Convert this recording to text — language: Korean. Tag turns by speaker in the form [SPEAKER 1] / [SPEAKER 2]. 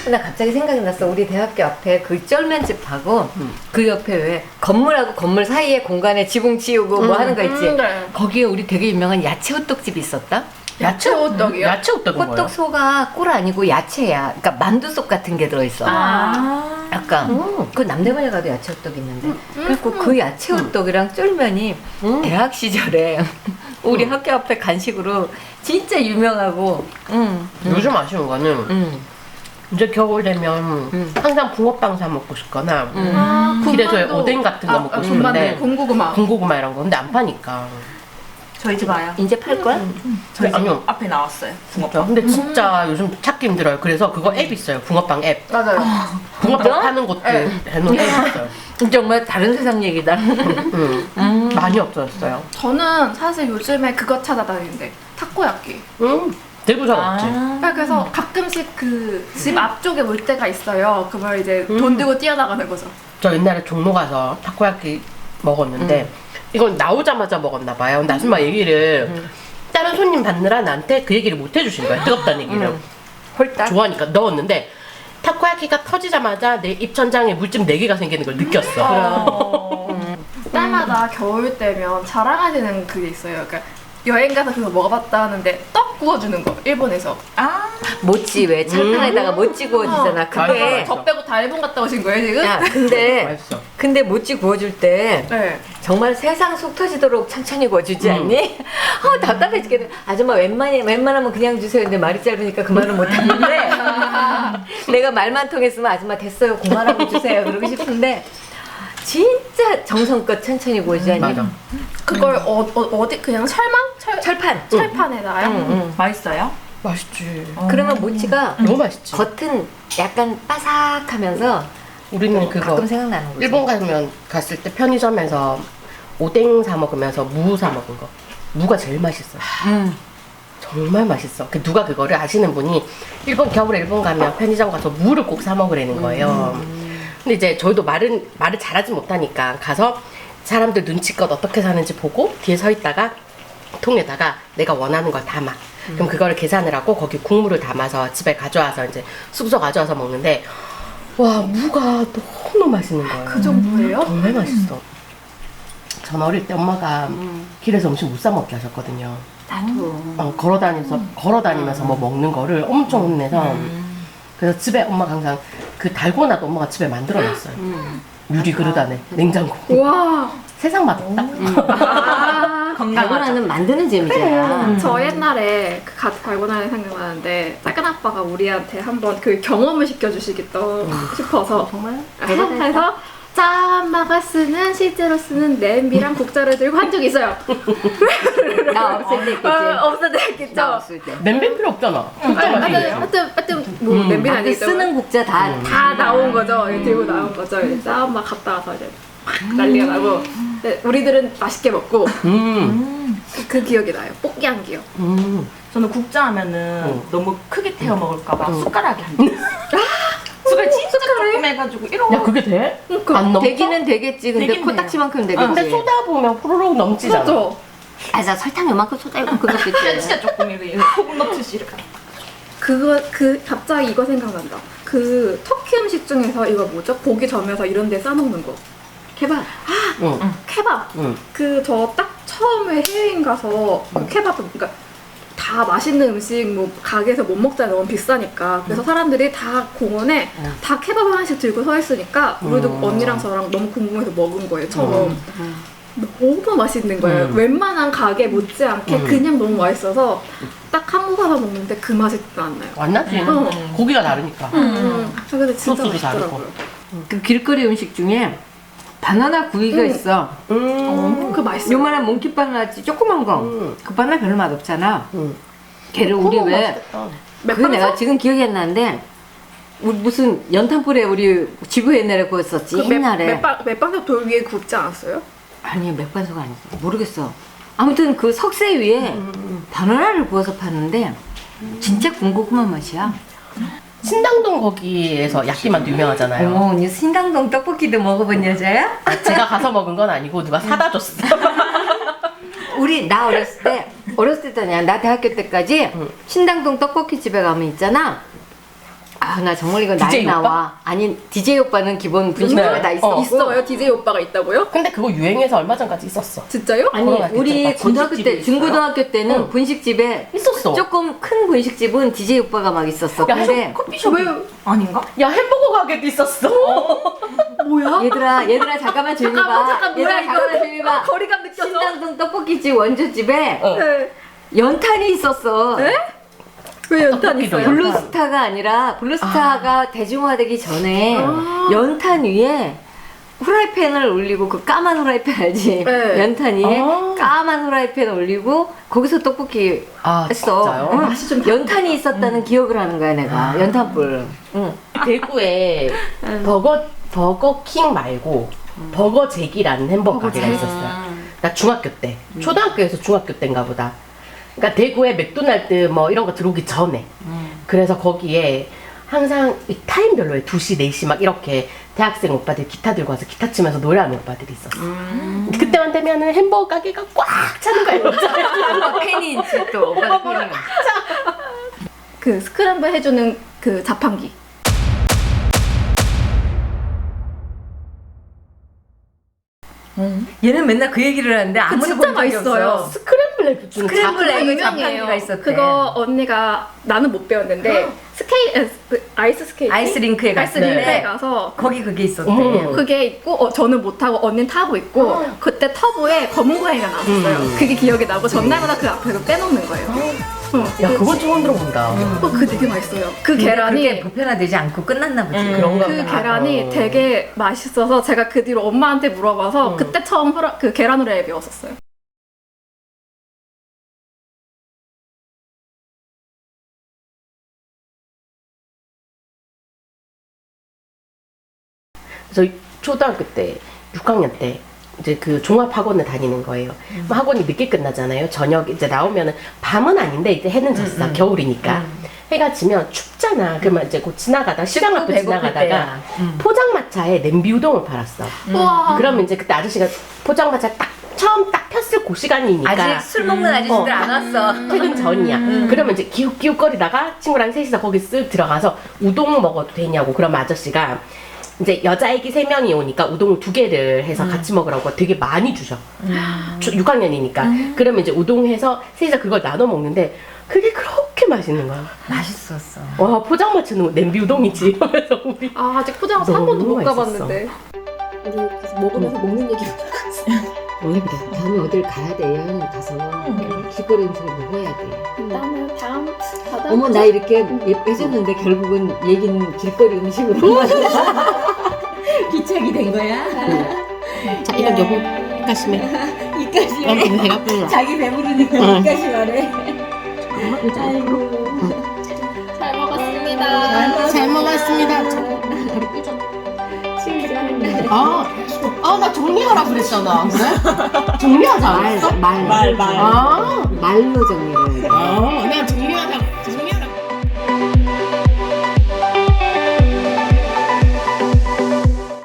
[SPEAKER 1] 나 갑자기 생각이 났어. 우리 대학교 앞에 그 쩔면집하고 그 옆에 왜 건물하고 건물 사이에 공간에 지붕 치우고 뭐 하는 거 있지?
[SPEAKER 2] 네.
[SPEAKER 1] 거기에 우리 되게 유명한 야채 호떡집이 있었다?
[SPEAKER 2] 야채 호떡이요?
[SPEAKER 3] 야채 호떡은 뭐예요?
[SPEAKER 1] 호떡 소가 꿀 아니고 야채야. 그러니까 만두속 같은 게 들어있어. 약간 그 남대문에 가도 야채 호떡 있는데 그리고 그 야채 호떡이랑 쫄면이 대학 시절에 우리 학교 앞에 간식으로 진짜 유명하고
[SPEAKER 3] 요즘 아쉬운 거는 이제 겨울 되면 항상 붕어빵 사 먹고 싶거나 길에서 오뎅 같은 거 먹고 싶은데
[SPEAKER 2] 군고구마.
[SPEAKER 3] 군고구마 이런 거 근데 안 파니까
[SPEAKER 4] 저희 집 와요.
[SPEAKER 1] 이제 팔걸?
[SPEAKER 4] 저희 집
[SPEAKER 3] 아니요.
[SPEAKER 4] 앞에 나왔어요.
[SPEAKER 3] 진짜 근데 진짜 요즘 찾기 힘들어요. 그래서 그거 앱 있어요. 붕어빵 앱.
[SPEAKER 2] 맞아요.
[SPEAKER 3] 붕어빵
[SPEAKER 1] 진짜?
[SPEAKER 3] 파는 곳들 해놓은 앱 있어요.
[SPEAKER 1] 정말 다른 세상 얘기다.
[SPEAKER 3] 많이 없어졌어요.
[SPEAKER 2] 저는 사실 요즘에 그거 찾아다니는데 타코야끼.
[SPEAKER 3] 대구 잘 없지.
[SPEAKER 2] 그래서 가끔씩 그 집 앞쪽에 올 때가 있어요. 그걸 이제 돈 들고 뛰어나가는 거죠.
[SPEAKER 3] 저 옛날에 종로 가서 타코야끼 먹었는데 이건 나오자마자 먹었나 봐요. 근데 아줌마 얘기를 다른 손님 받느라 나한테 그 얘기를 못 해주신 거야. 뜨겁다는 얘기를.
[SPEAKER 1] 홀딱.
[SPEAKER 3] 좋아하니까 넣었는데 타코야키가 터지자마자 내 입천장에 물집 4개가 생기는 걸 느꼈어.
[SPEAKER 2] 때마다 겨울 때면 자랑하시는 그게 있어요. 그러니까 여행 가서 그거 먹어봤다 하는데 떡 구워주는 거 일본에서.
[SPEAKER 1] 모찌 왜 철판에다가 모찌 구워주잖아. 그게
[SPEAKER 3] 맞아.
[SPEAKER 2] 저 빼고 다 일본 갔다 오신 거예요 지금?
[SPEAKER 1] 야 근데
[SPEAKER 3] 맛있어.
[SPEAKER 1] 근데 모찌 구워줄 때
[SPEAKER 2] 네.
[SPEAKER 1] 정말 세상 속 터지도록 천천히 구워주지 않니? 답답해 죽겠네. 아줌마 웬만하면 그냥 주세요. 근데 말이 짧으니까 그 말은 못하는데 내가 말만 통했으면 아줌마 됐어요. 그만하고 주세요. 그러고 싶은데 진짜 정성껏 천천히 구워주지 않니?
[SPEAKER 3] 맞아.
[SPEAKER 2] 그걸 어디 그냥
[SPEAKER 1] 철판.
[SPEAKER 2] 철판에다가요?
[SPEAKER 4] 맛있어요?
[SPEAKER 3] 맛있지.
[SPEAKER 1] 그러면 모찌가
[SPEAKER 3] 너무 맛있지.
[SPEAKER 1] 겉은 약간 바삭하면서
[SPEAKER 3] 우리는 그거
[SPEAKER 1] 가끔 생각나는 거지.
[SPEAKER 3] 일본 가면 갔을 때 편의점에서 오뎅 사 먹으면서 무 사 먹은 거. 무가 제일 맛있어. 정말 맛있어. 그 누가 그거를 아시는 분이 겨울에 일본 가면 편의점 가서 무를 꼭 사 먹으라는 거예요. 근데 이제 저희도 말을 잘하지 못하니까 가서 사람들 눈치껏 어떻게 사는지 보고 뒤에 서 있다가 통에다가 내가 원하는 걸 담아. 그럼 그거를 계산을 하고 거기 국물을 담아서 집에 가져와서 이제 숙소 가져와서 먹는데 와 무가 너무 맛있는 거예요.
[SPEAKER 2] 그 정도예요?
[SPEAKER 3] 정말 맛있어. 전 어릴 때 엄마가 길에서 음식 못 사 먹게 하셨거든요.
[SPEAKER 1] 나도.
[SPEAKER 3] 걸어다니면서 뭐 먹는 거를 엄청 혼내서 그래서 집에 엄마가 항상 그 달고나도 엄마가 집에 만들어놨어요. 유리 그릇 안에 냉장고.
[SPEAKER 2] 와.
[SPEAKER 3] 세상 맛없다.
[SPEAKER 1] 달고나는 만드는 재미잖아.
[SPEAKER 2] 저 옛날에 그 달고나를 생각나는데 작은 아빠가 우리한테 한번 그 경험을 시켜주시겠다 싶어서
[SPEAKER 1] 정말
[SPEAKER 2] 해서 엄마가 실제로 쓰는 냄비랑 국자를 들고 한 적이 있어요.
[SPEAKER 1] 나 없을 때 있겠지.
[SPEAKER 2] 없을 때 했겠죠.
[SPEAKER 1] 나 없을 때.
[SPEAKER 3] 냄비 필요 없잖아. 진짜 맛있네.
[SPEAKER 2] 하여튼 뭐 냄비는
[SPEAKER 1] 근데
[SPEAKER 2] 아니겠죠.
[SPEAKER 1] 쓰는 국자
[SPEAKER 2] 다 나온 거죠. 들고 나온 거죠. 이제 엄마 갔다 와서 이제 막 난리가 나고. 근데 우리들은 맛있게 먹고 그 기억이 나요. 뽀끼향기요.
[SPEAKER 4] 저는 국자 하면은 너무 크게 태워 먹을까봐 숟가락에 한 개. 숟가락 진짜 조금 해가지고 이러고.
[SPEAKER 3] 야 그게 돼? 안 넘어?
[SPEAKER 1] 되기는 되겠지. 근데
[SPEAKER 4] 되긴
[SPEAKER 1] 코딱지만큼 되겠지.
[SPEAKER 3] 근데 쏟아 보면 후루룩 넘치잖아.
[SPEAKER 2] 그렇죠.
[SPEAKER 1] 아, 자 설탕 요만큼 쏟아 이만큼 넣겠지.
[SPEAKER 4] 진짜 조금 이렇게 소금 넣듯이 이렇게.
[SPEAKER 2] 갑자기 이거 생각난다. 그 터키 음식 중에서 이거 뭐죠? 고기 점에서 이런 데 싸먹는 거. 케밥.
[SPEAKER 3] 응.
[SPEAKER 2] 케밥.
[SPEAKER 3] 응.
[SPEAKER 2] 그 저 딱 처음에 해외여행 가서 케밥, 그러니까 다 맛있는 음식 뭐 가게에서 못 먹잖아요. 너무 비싸니까. 그래서 사람들이 다 공원에 다 케밥 하나씩 들고 서 있으니까 우리도 언니랑 저랑 너무 궁금해서 먹은 거예요. 처음. 너무 맛있는 거예요. 웬만한 가게 못지않게 그냥 너무 맛있어서 딱 한국 가서 먹는데 그 맛이 안 나요.
[SPEAKER 3] 안 나지? 고기가 다르니까.
[SPEAKER 2] 근데 진짜
[SPEAKER 3] 소스도 다르고.
[SPEAKER 2] 맛있더라고요.
[SPEAKER 1] 그 길거리 음식 중에 바나나 구이가 있어.
[SPEAKER 2] 그 맛있어요.
[SPEAKER 1] 요만한 몽키 바나나지 조그만 거. 그 바나나 별로 맛 없잖아. 걔를 우리 왜
[SPEAKER 3] 맛있겠다.
[SPEAKER 1] 그게 내가 지금 기억이 안 나는데 우리 무슨 연탄불에 우리 집에 옛날에 구웠었지. 옛날에.
[SPEAKER 2] 맥반석 돌 위에 굽지 않았어요?
[SPEAKER 1] 아니 맥반석 아니지. 모르겠어. 아무튼 그 석쇠 위에 바나나를 구워서 파는데 진짜 군고구마 맛이야.
[SPEAKER 3] 신당동 거기에서 야끼만두 유명하잖아요.
[SPEAKER 1] 어머, 언니 신당동 떡볶이도 먹어본 여자야?
[SPEAKER 3] 제가 가서 먹은 건 아니고 누가 사다 줬어.
[SPEAKER 1] 나 어렸을 때도 아니야. 나 대학교 때까지 신당동 떡볶이 집에 가면 있잖아. 아, 나 정말 이거 나이
[SPEAKER 3] DJ 오빠?
[SPEAKER 1] 나와. 아니, DJ 오빠는 기본 분식집에
[SPEAKER 3] 네.
[SPEAKER 1] 다 있어.
[SPEAKER 2] 있어요? DJ 오빠가 있다고요?
[SPEAKER 3] 근데 그거 유행해서 얼마 전까지 있었어.
[SPEAKER 2] 진짜요?
[SPEAKER 1] 아니,
[SPEAKER 3] 코로나
[SPEAKER 1] 우리
[SPEAKER 3] 때쯤
[SPEAKER 1] 고등학교 때,
[SPEAKER 3] 분식집이
[SPEAKER 1] 중고등학교 때는
[SPEAKER 3] 응.
[SPEAKER 1] 분식집에
[SPEAKER 3] 있었어.
[SPEAKER 1] 조금 큰 분식집은 DJ 오빠가 막 있었어.
[SPEAKER 3] 야,
[SPEAKER 1] 근데
[SPEAKER 3] 커피숍
[SPEAKER 2] 왜?
[SPEAKER 4] 아닌가?
[SPEAKER 3] 야, 햄버거 가게도 있었어.
[SPEAKER 2] 뭐야?
[SPEAKER 1] 얘들아 잠깐만 조용히 봐.
[SPEAKER 2] 잠깐 뭐야
[SPEAKER 1] 얘들아
[SPEAKER 2] 이거?
[SPEAKER 1] 잠깐만 조용히 봐.
[SPEAKER 2] 거리감 느껴져.
[SPEAKER 1] 신당동 떡볶이집 원조집에
[SPEAKER 3] 어.
[SPEAKER 2] 네.
[SPEAKER 1] 연탄이 있었어.
[SPEAKER 2] 네? 왜 연탄
[SPEAKER 3] 떡볶이도
[SPEAKER 2] 있어요?
[SPEAKER 3] 연탄.
[SPEAKER 1] 블루스타가 아니라 블루스타가 대중화되기 전에
[SPEAKER 2] 아.
[SPEAKER 1] 연탄 위에 후라이팬을 올리고 그 까만 후라이팬 알지?
[SPEAKER 2] 네.
[SPEAKER 1] 연탄 위에
[SPEAKER 3] 아.
[SPEAKER 1] 까만 후라이팬 올리고 거기서 떡볶이
[SPEAKER 3] 아,
[SPEAKER 1] 했어.
[SPEAKER 3] 진짜요?
[SPEAKER 1] 응.
[SPEAKER 2] 맛이 좀
[SPEAKER 1] 연탄이 있었다는 기억을 하는 거야 내가. 연탄불. 응.
[SPEAKER 3] 대구에 버거킹 말고 버거잭이라는 햄버거 가게가 있었어요. 나 중학교 때, 초등학교에서 중학교 때인가 보다. 그러니까 대구에 맥도날드 뭐 이런 거 들어오기 전에. 그래서 거기에 항상 이 타임별로에 2시, 4시 막 이렇게 대학생 오빠들 기타 들고 와서 기타 치면서 노래하는 오빠들이 있었어. 그때만 되면은 햄버거 가게가 꽉 차는 거예요.
[SPEAKER 1] 오빠 팬이 있지 또. 오빠 팬이.
[SPEAKER 2] 그 스크램블 해주는 그 자판기.
[SPEAKER 1] 얘는 맨날 그 얘기를 하는데 아무도
[SPEAKER 2] 진짜
[SPEAKER 1] 본 적이
[SPEAKER 2] 맛있어요.
[SPEAKER 1] 없어.
[SPEAKER 3] 스크램블 에그주는
[SPEAKER 1] 스크램블
[SPEAKER 2] 그거
[SPEAKER 1] 에그
[SPEAKER 2] 유명해요.
[SPEAKER 1] 자판기가 있었대.
[SPEAKER 2] 그거 언니가 나는 못 배웠는데 아이스 스케이팅?
[SPEAKER 1] 아이스링크에
[SPEAKER 2] 아이스
[SPEAKER 1] 갔는데
[SPEAKER 2] 링크에 가서
[SPEAKER 1] 거기 그게 있었대.
[SPEAKER 3] 어머.
[SPEAKER 2] 그게 있고 저는 못 타고 언니는 타고 있고 그때 터보에 검은 고양이가 나왔어요. 그게 기억이 나고 전날마다 그 앞에서 빼놓는 거예요.
[SPEAKER 3] 야, 그건 처음 들어본다.
[SPEAKER 2] 그거 되게 맛있어요. 그
[SPEAKER 1] 근데
[SPEAKER 2] 계란이
[SPEAKER 1] 그게 보편화되지 않고 끝났나 보지.
[SPEAKER 3] 그런가
[SPEAKER 2] 그
[SPEAKER 3] 보다.
[SPEAKER 2] 계란이
[SPEAKER 3] 어.
[SPEAKER 2] 되게 맛있어서 제가 그 뒤로 엄마한테 물어봐서 그때 처음 그 계란 후라이 배웠었어요.
[SPEAKER 3] 저 초등학교 때 6학년 때 이제 그 종합학원을 다니는 거예요. 학원이 늦게 끝나잖아요. 저녁 이제 나오면은 밤은 아닌데 이제 해는 졌어. 겨울이니까. 해가 지면 춥잖아. 그러면 이제 곧 지나가다 시장 앞에
[SPEAKER 1] 배고플
[SPEAKER 3] 지나가다가
[SPEAKER 1] 때야.
[SPEAKER 3] 포장마차에 냄비 우동을 팔았어.
[SPEAKER 2] 우와.
[SPEAKER 3] 그러면 이제 그때 아저씨가 포장마차 딱 처음 딱 폈을 그 시간이니까
[SPEAKER 1] 아직 술 먹는 아저씨들 안 왔어.
[SPEAKER 3] 퇴근 전이야. 그러면 이제 기웃기웃거리다가 친구랑 셋이서 거기 쓱 들어가서 우동 먹어도 되냐고. 그러면 아저씨가 이제 여자애기 3명이 오니까 우동을 2개를 해서 같이 먹으라고 되게 많이 주셔. 6학년이니까. 그러면 이제 우동 해서 셋이서 그걸 나눠 먹는데 그게 그렇게 맛있는 거야.
[SPEAKER 1] 맛있었어.
[SPEAKER 3] 와, 포장마차는 냄비 우동이지. 이러면서 우리
[SPEAKER 2] 아직 포장마차 한
[SPEAKER 3] 너무
[SPEAKER 2] 번도 못
[SPEAKER 3] 맛있었어.
[SPEAKER 2] 가봤는데. 우리 그래서 먹으면서 먹는 얘기.
[SPEAKER 1] 원래 그래. 다음에 어딜 가야 돼. 여행 가서 길거리 음식을 먹어야 돼.
[SPEAKER 2] 나는 다음 바다.
[SPEAKER 1] 어머 나 이렇게 해줬는데 결국은 얘기는 길거리 음식으로 기착이 된 거야.
[SPEAKER 3] 자, 이건 여보 입가심해.
[SPEAKER 1] 이까지
[SPEAKER 3] 배가 불러.
[SPEAKER 1] 자기 배부르니까 이까지 말해.
[SPEAKER 2] 잘 먹었습니다.
[SPEAKER 3] 잘 먹었습니다. 나 정리하라 그랬잖아. 그래? 정리하자.
[SPEAKER 1] 말.
[SPEAKER 3] 아,
[SPEAKER 1] 말로 정리를 해.
[SPEAKER 3] 내가 정리하라